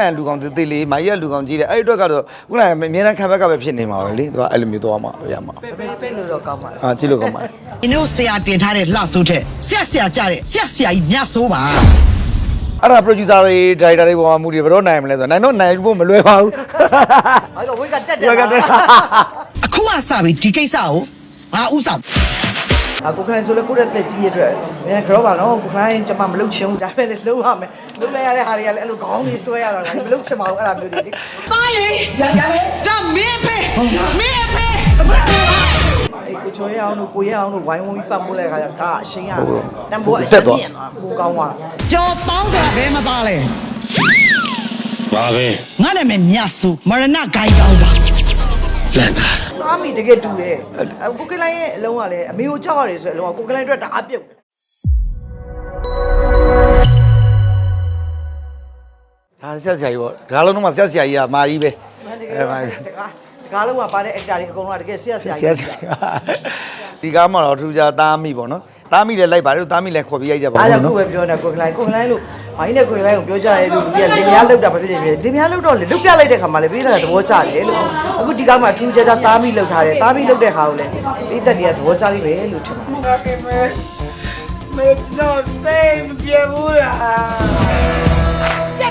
ရလူကောင်တေးလေးမာကြီးကလူကောင်ကြီးတယ်အဲ့အတွက်ကတော့ခုနကအများနဲ့ခံဘက်ကပဲဖြစ်နေမှာပဲလေသူကအဲ့လိုမျိုးသွားမှာရမှာပဲလို့တော့ကောင်းပါကြည့်လို့ကောင်းပါဒီလိုဆရာတင်ထားတဲ့လှဆိုးတဲ့ဆရာကြတဲ့ဆရာကြီးမြတ်ဆိုးပါအဲ့ဒါ producer တွေ director တွေပေါ်မှာမူတည်ဘယ်တော့နိုင်မလဲဆိုတော့နိုင်တော့နိုင်ဖို့မလွယ်ပါဘူးအဲ့တော့ဝိတ်ကတက်တယ်အခုမှစပြီဒီကိစ္စကိုငါဥဆောင်ကိုခလိုင်းဆိုလေကိုရက်တက်ကြီးရဲ့အတွက်နင်ကတော့ပါနော်ကိုခလိုင်းကျွန်မမလုပ်ချင်ဘူးဒါပဲလေလုပ်ရမယ်လုပ်လိုက်ရတဲ့ဟာတွေကလည်းအဲ့လိုခေါင်းကြီးဆွဲရတာမလုပ်ချင်ပါဘူးအဲ့လိုမျိုးတွေလေသားလေဒါမင်းဖေကိုချိုရအောင်လို့ကိုရအောင်လို့ဝိုင်းဝန်းပြီးပတ်မိုးလိုက်ခါကျကအရှင်ကတန်ဖိုးအရှင်မြင်သွားကိုကောင်းသွားကြော်တောင်းဆိုတာဘယ်မှာသားလဲပါပဲငါနာမည်မြတ်စုမရဏဂိုင်းကောင်းစားလန်တာသားမိတကယ်တူတယ်ကိုကလိုင်းရဲ့အလုံးကလည်းအမေကိုကြောက်ရတယ်ဆိုတဲ့အလုံးကကိုကလိုင်းအတွက်တအားပြုတ်ဒါဆက်ဆရာကြီးပေါ့ဒါလုံးတော့ဆက်ဆရာကြီးကမာကြီးပဲကားလုံးကပါတဲ့ actor တွေအကုန်လုံးကတကယ်ဆက်ဆရာကြီးဒီကားမှာတော့ထူးခြားသားမိပေါ့နော်သားမိလည်းလိုက်ပါတယ်သားမိလည်းခေါ်ပြီးရိုက်ကြပါဦးအားကြောင့်ကိုပဲပြောနေကိုကလိုင်းလို့မိုင်းနဲ့ကိုကလိုင်းကိုပြောကြရဲလို့လူကြီးကလင်မယားလောက်တာမဖြစ်နေပြီလင်မယားလောက်တော့လေလုတ်ပြလိုက်တဲ့ခါမှာလေပေးတာသဘောကျတယ်လို့အခုဒီကားမှာထူးခြားသားမိလောက်ထားတယ်သားမိလောက်တဲ့ခါကိုလည်းပေးသက်တွေကသဘောကျလိမ့်မယ်လို့ထင်ပါတယ်မေတော့စိတ်မပြေဘူးလား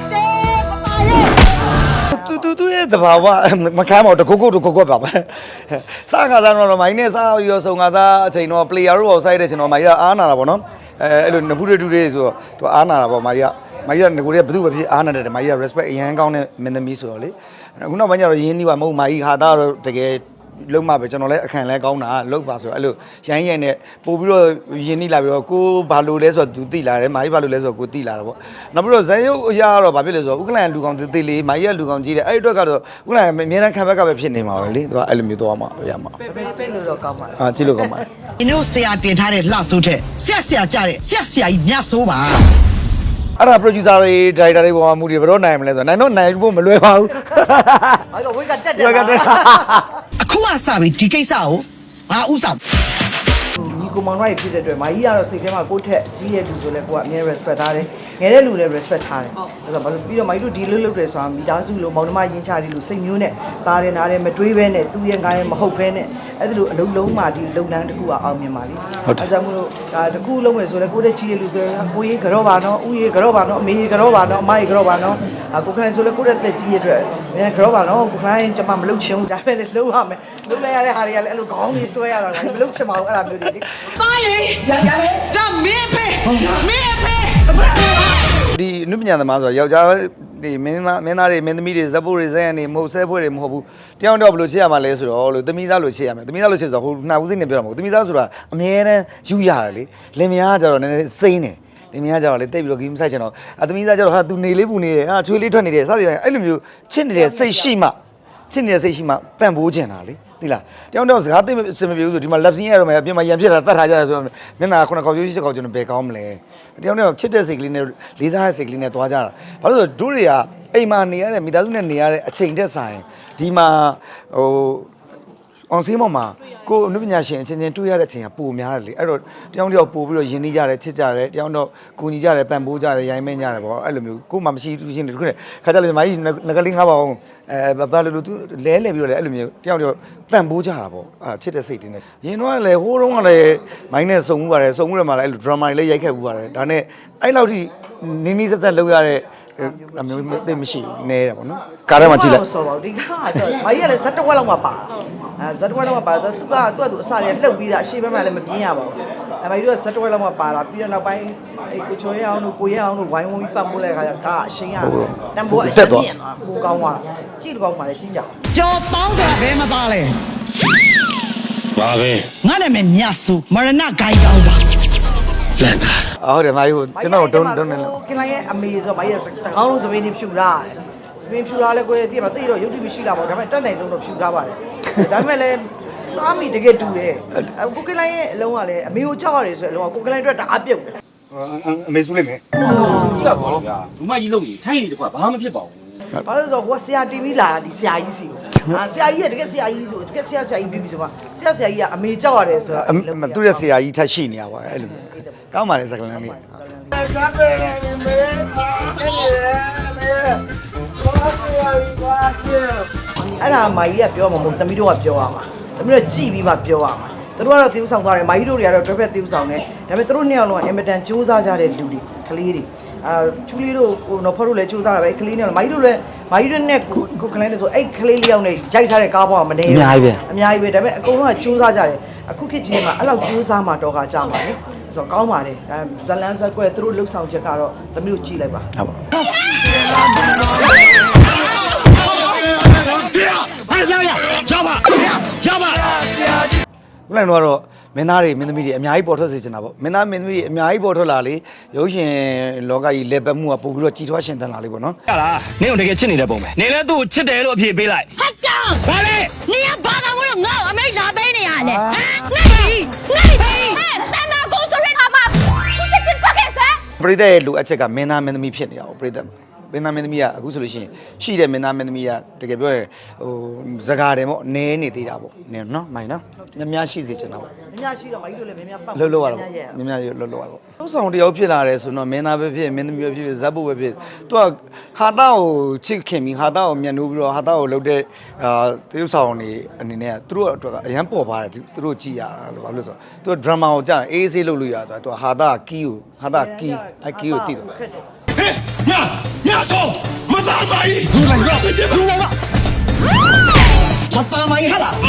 တူရဲ့တဘာဝမခမ်းပါဘူးတကုတ်ပါပဲစားခါစားတော့မိုင်းနဲ့စားရောစုံခါစားအချိန်တော့ player တို့ဆိုင်တဲ့ချိန်တော့မိုင်းကအားနာတာပေါ့နော်အဲ့လိုနဖူးတူတွေဆိုတော့သူအားနာတာပေါ့မိုင်းကငကိုတွေကဘယ်သူပဲဖြစ်အားနာတယ်မိုင်းက respect အရန်ကောင်းတဲ့မင်းသမီးဆိုတော့လေအခုနောက်ပိုင်းကျတော့ရင်းနှီးပါမဟုတ်မိုင်းဟာသားတော့တကယ်လုံးမပဲကျွန်တော်လည်းအခန့်လဲကောင်းတာလုံးပါဆိုတော့အဲ့လိုရိုင်းနဲ့ပို့ပြီးတော့ယင်းနှိလာပြီးတော့ကိုဘာလို့လဲဆိုတော့သူသိလာတယ်မာကြီးဘာလို့လဲဆိုတော့ကိုသိလာတာပေါ့နောက်ပြီးတော့ဇန်ရုပ်အရာကတော့ဘာဖြစ်လဲဆိုတော့ဥက္ကလန်လူကောင်တေးလေးမာကြီးကလူကောင်ကြီးတယ်အဲ့အတွက်ကတော့ဥက္ကလန်အများနဲ့ခံဘက်ကပဲဖြစ်နေမှာပဲလေသူကအဲ့လိုမျိုးသွားမှာရမှာပဲလို့တော့ကောင်းပါကြည့်လို့ကောင်းပါဒီလိုဆရာတင်ထားတဲ့လှဆိုးတဲ့ဆရာကြတဲ့ဆရာကြီးမြတ်ဆိုးပါအဲ့ဒါ producer တွေ director တွေပေါ်မှာမူတည်ဘယ်တော့နိုင်မလဲဆိုတော့နိုင်တော့နိုင်ဖို့မလွယ်ပါဘူးအဲ့တော့ဝိတ်ကတက်တယ်အခုမှစပြီဒီကိစ္စကိုငါဥဆောင်ညီကိုမောင်ရိုက်ဖြစ်တဲ့အတွက်မာကြီးကတော့စိတ်ထဲမှာကိုယ့်ထက်ကြီးရဲ့လူဆိုလဲကိုကအမြဲ respect ထားတယ်ငယ်တဲ့လူလည်း respect ထားတယ်အဲ့တော့ဘာလို့ပြီးတော့မာကြီးတို့ဒီလိုလုပ်တယ်ဆိုတာမိသားစုလိုမောင်နှမရင်းချတယ်လို့စိတ်မျိုးနဲ့သားတယ်နားတယ်မတွေးဘဲနဲ့သူ့ရဲ့ငါရဲ့မဟုတ်ဘဲနဲ့အဲ့ဒါလိုအလုံးလုံးမှဒီလုပ်ငန်းတစ်ခုကအောင်မြင်ပါလိမ့်အဲ့ကြောင့်မို့လို့ဒါတစ်ခုလုံးမယ်ဆိုလဲကိုယ့်တဲ့ကြီးရဲ့လူဆိုရင်ကိုကြီးကြောပါနော်ဦးကြီးကြောပါနော်အမေကြီးကြောပါနော်အမကြီးကြောပါနော်ကိုခလိုင်းဆိုလဲကိုယ့်တဲ့ကြီးရဲ့အတွက်နင်ကြောပါနော်ကိုခလိုင်းကျွန်မမလုပ်ချင်ဘူးဒါပဲလေလုပ်ရမယ်လုပ်လိုက်ရတဲ့ဟာတွေကလည်းအဲ့လိုခေါင်းကြီးဆွဲရတာမလုပ်ချင်ပါဘူးအဲ့လိုမျိုးတွေလေသားလေဒါမင်းဖေဒီနုပညာသမားဆိုတော့ယောက်ျားဒီမင်းသားတွေမင်းသမီးတွေဇက်ဖို့တွေဇက်ရံတွေမဟုတ်ဆဲဖွဲ့တွေမဟုတ်ဘူးတယောက်တော့ဘယ်လိုချစ်ရမှာလဲဆိုတော့လို့သမီးသားလို့ချစ်ရမယ်သမီးသားလို့ချစ်ဆိုတော့ဟိုနှာဦးစိတ်နဲ့ပြောတာမဟုတ်သမီးသားဆိုတာအမြဲတမ်းယူရတယ်လေလင်မယားကကြတော့နည်းနည်းစိမ့်တယ်လင်မယားကကြတော့လေတိတ်ပြီးတော့ဂိမ်းမဆိုင်ချင်တော့သမီးသားကြတော့ဟာသူနေလေးပူနေတယ်ဟာချွေးလေးထွက်နေတယ်စသည်အဲ့လိုမျိုးချစ်နေတဲ့စိတ်ရှိမှပန့်ပိုးကျင်တာလေသိလားတယောက်တော့စကားသိစင်မပြေဘူးဆိုဒီမှာ left scene ရတော့မှပြင်မှာရံဖြစ်တာတတ်ထားကြတယ်ဆိုတော့မျက်နှာခုနခေါက်ကျိုးရှိခေါက်ကျိုးနဲ့ဘယ်ကောင်းမလဲတယောက်တော့ချစ်တဲ့စိတ်ကလေးနဲ့လေးစားတဲ့စိတ်ကလေးနဲ့သွားကြတာဘာလို့ဆိုတို့တွေကအိမ်မှာနေရတဲ့မိသားစုနဲ့နေရတဲ့အချိန်တက်ဆိုင်ဒီမှာဟိုအောင်စင်းပေါ်မှာကိုအနုပညာရှင်အချင်းချင်းတွေ့ရတဲ့အချိန်ကပိုများတယ်လေအဲ့တော့တယောက်ပို့ပြီးတော့ယဉ်နေကြတယ်ချစ်ကြတယ်တယောက်တော့ကူညီကြတယ်ပံ့ပိုးကြတယ်ရိုင်းမင်းကြတယ်ပေါ့အဲ့လိုမျိုးကိုမှမရှိသူရှင်တခုနဲ့ခါကြလေမာကြီးငကလေးငါးပါအောင်ဘာလို့သူလဲပြီးတော့လေအဲ့လိုမျိုးတယောက်ပံ့ပိုးကြတာပေါ့အဲ့ချစ်တဲ့စိတ်တွေနဲ့ရင်တော့လည်းဟိုးတုန်းကလည်းမိုင်းနဲ့စုံမှုပါတယ်စုံမှုတွေမှာလည်းအဲ့လို drama တွေလည်းရိုက်ခဲ့မှုပါတယ်ဒါနဲ့အဲ့လောက်ထိနင်းနီးဆက်လုပ်ရတဲ့အမျိုးသိမရှိနဲတယ်ပေါ့နော်ကားထဲမှာကြည့်လိုက်ဆိုတော့ဒီကားကတော့မာကြီးကလည်းဇက်တဝက်လောက်မှပါဇက်တဝက်လောက်မှပါတော့သူကသူ့အစားရလှုပ်ပြီးသားအရှိဘက်မှာလည်းမပြင်းရပါဘူးမာကြီးတို့ကဇက်တဝက်လောက်မှပါလာပြီးတော့နောက်ပိုင်းကိုချိုရအောင်လို့ကိုရအောင်လို့ဝိုင်းဝန်းပြီးပတ်မိုးလိုက်ခါကျကအရှင်ကတန်ဖိုးအရှင်မြင်သွားကိုကောင်းသွားကြည့်တော့ကောင်းပါလေကြည့်ကြကြော်တောင်းဆိုတာဘယ်မှာသားလဲပါပဲငါနာမည်မြတ်စုမရဏဂိုင်းကောင်းစားလန်တာဟုတ်တယ်မာကြီးကျွန်တော်တုံးနေလို့ကင်လိုက်ရဲ့အမေဆိုမာကြီးတကောင်းလုံးစပင်းနေဖြူလာစပင်းဖြူလာလဲကိုယ်တည်းမှာတိတော့ရုပ်တိမရှိလာပါဘူးဒါပေမဲ့တက်နိုင်ဆုံးတော့ဖြူထားပါတယ်ဒါပေမဲ့လည်းသားမိတကယ်တူတယ်ကိုကလိုင်းရဲ့အလုံးကလည်းအမေကိုကြောက်ရတယ်ဆိုတဲ့အလုံးကကိုကလိုင်းအတွက်တအားပြုတ်တယ်အမေစုလိုက်မယ်ကြီးလာပါဗျာလူမကြီးလုံးကြီးထိုင်းနေတကွာဘာမှမဖြစ်ပါဘူးဘာလို့ဆိုတော့ဟိုဆရာတီဗီလာဒီဆရာကြီးစီဆရာကြီးကတကယ်ဆရာကြီးဆိုတကယ်ဆရာကြီးပြီးပြီဆိုမှဆရာကြီးကအမေကြောက်ရတယ်ဆိုတော့သူ့ရဲ့ဆရာကြီးထပ်ရှိနေရပါအဲ့လိုကောင်းပါလေစကလန်းလေးကားပဲနေမေးအဲ့ဒါမာကြီးကပြောမှာမဟုတ်သမီးတို့ကပြောရမှာသမီးတို့ကြည်ပြီးမှပြောရမှာသူတို့ကတော့တီးဥဆောင်သွားတယ်မာကြီးတို့တွေကတော့တွဲဖက်တီးဥဆောင်တယ်ဒါပေမဲ့သူတို့နှစ်ယောက်လုံးကအင်မတန်စူးစမ်းကြတဲ့လူတွေကလေးတွေချူလေးတို့ဟိုနော်ဖော်တို့လည်းစူးစမ်းတာပဲကလေးနဲ့မာကြီးတို့လည်းမာကြီးတို့နဲ့ကိုကလေးတွေဆိုအဲ့ကလေးလေးယောက်နဲ့ရိုက်ထားတဲ့ကားပေါ်မှာမနေဘူးအများကြီးပဲဒါပေမဲ့အကုန်လုံးကစူးစမ်းကြတယ်အခုခေတ်ကြီးမှာအဲ့လောက်စူးစမ်းမှတော့ကကြမှာလေဆိုတော့ကောင်းပါတယ်ဇလန်းဇက်ကွဲသူတို့လှုပ်ဆောင်ချက်ကတော့သမီးတို့ကြည့်လိုက်ပါဟုတ်ပါခုနကတော့မင်းသားတွေမင်းသမီးတွေအများကြီးပေါ်ထွက်စေချင်တာပေါ့မင်းသားမင်းသမီးတွေအများကြီးပေါ်ထွက်လာလေရုပ်ရှင်လောကကြီးလက်ပတ်မှုကပို့ပြီးတော့ကြီးထွားရှင်သန်လာလေပေါ့နော်ဟလာနင်းတို့တကယ်ချစ်နေတဲ့ပုံပဲနင်းလည်းသူ့ကိုချစ်တယ်လို့အဖြေပေးလိုက်ဟာတောင်းဘာလဲနေရဘာသာဝင်ငါ့အမိတ်လာပေးနေရလေဟမ်နေတန်နာကိုဆိုရတာမှာသူစစ်စစ်ပတ်ခဲ့စမ်းပရိသတ်ရဲ့လိုအပ်ချက်ကမင်းသားမင်းသမီးဖြစ်နေတာပေါ့ပရိသတ်မင်းသားမင်းသမီးကအခုဆိုလို့ရှိရင်ရှိတဲ့မင်းသားမင်းသမီးကတကယ်ပြောရင်ဟိုဇကာတယ်ပေါ့နဲနေသေးတာပေါ့နင်းနော်မိုင်နော်များများရှိစေချင်တာပေါ့များရှိတော့မာကြီးတို့လည်းများပတ်လှုပ်လှုပ်ရတော့များများလှုပ်လှုပ်ရတော့သုံးဆောင်တယောက်ဖြစ်လာတယ်ဆိုတော့မင်းသားပဲဖြစ်မင်းသမီးပဲဖြစ်ဇက်ဖို့ပဲဖြစ်သူကဟာတာကိုချစ်ခင်ပြီးဟာတာကိုမြန်နိုးပြီးတော့ဟာတာကိုလှုပ်တဲ့တရုပ်ဆောင်နေအနေနဲ့သူတို့အတွက်ကအရန်ပေါ်ပါတယ်သူတို့ကြည်ရတာလို့ဘာလို့လဲဆိုတော့သူကဒရမာကိုကြားအေးဆေးလှုပ်လို့ရတာသူကဟာတာကီးကိုဟာတာကီးအကီးကိုတည်တယ်ညဆောမစားပါဘူးဘူးလိုက်တော့ပြချင်ပါဘူးမတမိုင်းဟာလား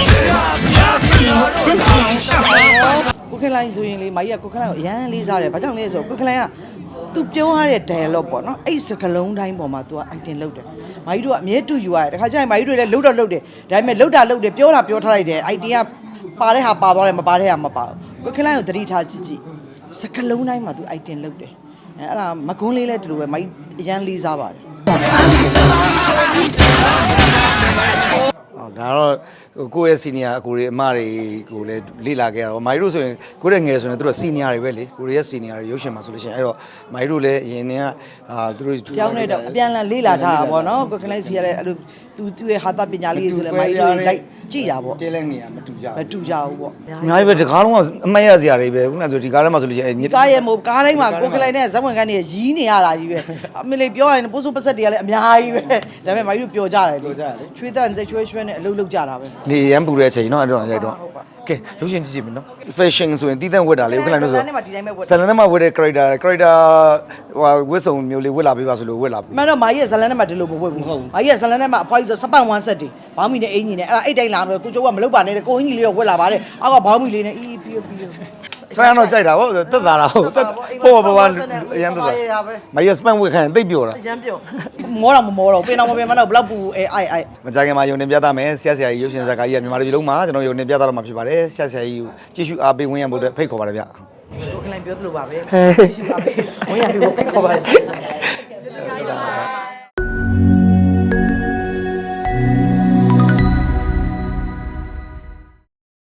ကိုခလိုင်းဆိုရင်လေမာကြီးကကိုခလိုင်းကိုအရန်လေးစားတယ်ဘာကြောင့်လဲဆိုတော့ကိုခလိုင်းကသူပြောရတဲ့ dialogue ပေါ့နော်အဲ့စကလုံးတိုင်းပေါ်မှာ तू က item လုပ်တယ်မာကြီးတို့ကအမြဲတူယူရတယ်တခါကျရင်မာကြီးတို့လည်းလှုပ်တော့လှုပ်တယ်ဒါပေမဲ့လှုပ်တာလှုပ်တယ်ပြောတာပြောထားလိုက်တယ် item ကပါတဲ့ဟာပါသွားတယ်မပါတဲ့ဟာမပါဘူးကိုခလိုင်းကိုသတိထားကြည့်ကြည့်စကလုံးတိုင်းမှာ तू item လုပ်တယ်အဲ့ဒါမကွန်းလေးလည်းဒီလိုပဲမာကြီးအရန်လေးစားပါတယ်ဒါတော့ကိုယ့်ရဲ့စီနီယာအကိုတွေအမတွေကိုလည်းလေ့လာခဲ့တာပေါ့မိုင်တို့ဆိုရင်ကိုယ့်ရဲ့ငယ်ဆိုရင်တို့စီနီယာတွေပဲလေကိုရီးယားစီနီယာတွေရုပ်ရှင်မှာဆိုလို့ရှိရင်အဲ့တော့မိုင်တို့လည်းအရင်ကသူတို့ကြောင်းနေတော့အပြန်လန်လေးလာကြတာပေါ့နော်ကိုခလိုင်းစီကလည်းအဲ့လိုသူ့ရဲ့ဟာတာပညာလေးဆိုလည်းမိုင်းတို့လိုက်ကြည့်တာပေါ့တဲလဲနေရမတူကြမတူကြဘူးပေါ့အများကြီးပဲဒီကားလုံးကအမှတ်ရစရာတွေပဲခုနကဆိုဒီကားထဲမှာဆိုလို့ရှိရင်ညစ်ကားရဲ့မို့ကားတိုင်းမှာကိုခလိုင်းနဲ့ဇက်ဝင်ခန်းတွေရီးနေရတာကြီးပဲအမေလေးပြောရင်ပိုးစိုးပစက်တွေကလည်းအများကြီးပဲဒါပေမဲ့မိုင်းတို့ပြောကြတယ်ချွေးတန်ချွေးရွှဲနဲ့အလုပ်လုပ်ကြတာပဲနေရမ်းပူတဲ့အချိန်เนาะအဲ့တော့ရိုက်တော့ကဲရုပ်ရှင်ကြည့်ကြည့်မယ်နော် fashion ဆိုရင်တီးတန့်ဝတ်တာလေခုနကဆိုဇလန်းထဲမှာဒီတိုင်းပဲဝတ်ဇလန်ထဲမှာဝတ်တဲ့ character ဟိုဝတ်စုံမျိုးလေးဝတ်လာပေးပါဆိုလို့ဝတ်လာပေးမှန်တော့မာကြီးရဲ့ဇလန်းထဲမှာဒီလိုမဝတ်ဘူးမာကြီးရဲ့ဇလန်းထဲမှာအဖွားကြီးဆိုစပတ်ဝမ်းဆက်တွေဘောင်းမီနဲ့အင်ကြီးနဲ့အဲ့ဒါအိတ်တိုင်းလာတော့ကိုကျိုးကမလုပ်ပါနဲ့ကိုအင်ကြီးလေးတော့ဝတ်လာပါတယ်အောက်ကဘောင်းမီလေးနဲ့အီးပြီးပြီးဆွဲရတော့ကြိုက်တာဟုတ်တက်တာလားဟုတ်ပေါ်ပေါ်အရန်တက်တာမရစပန်ဝတ်ခံတိတ်ပြောတာအရန်ပြောမောတော့မမောတော့ပင်တော့မပင်မတော့ဘလောက်ပူအိုက်မကြခင်မှာယုံတင်ပြသမယ်ဆရာဆရာကြီးရုပ်ရှင်ဇာတ်ကားကြီးကမြန်မာပြည်လုံးမှာကျွန်တော်ယုံတင်ပြသတော့မှာဖြစ်ပါတယ်ဆရာဆရာကြီးကိုကြည့်ရှုအားပေးဝင်ရဖို့အတွက်ဖိတ်ခေါ်ပါတယ်ဗျကိုခလိုင်းပြောသလိုပါပဲရှိပါပဲဝင်ရပြီးဖိတ်ခေါ်ပါရှင်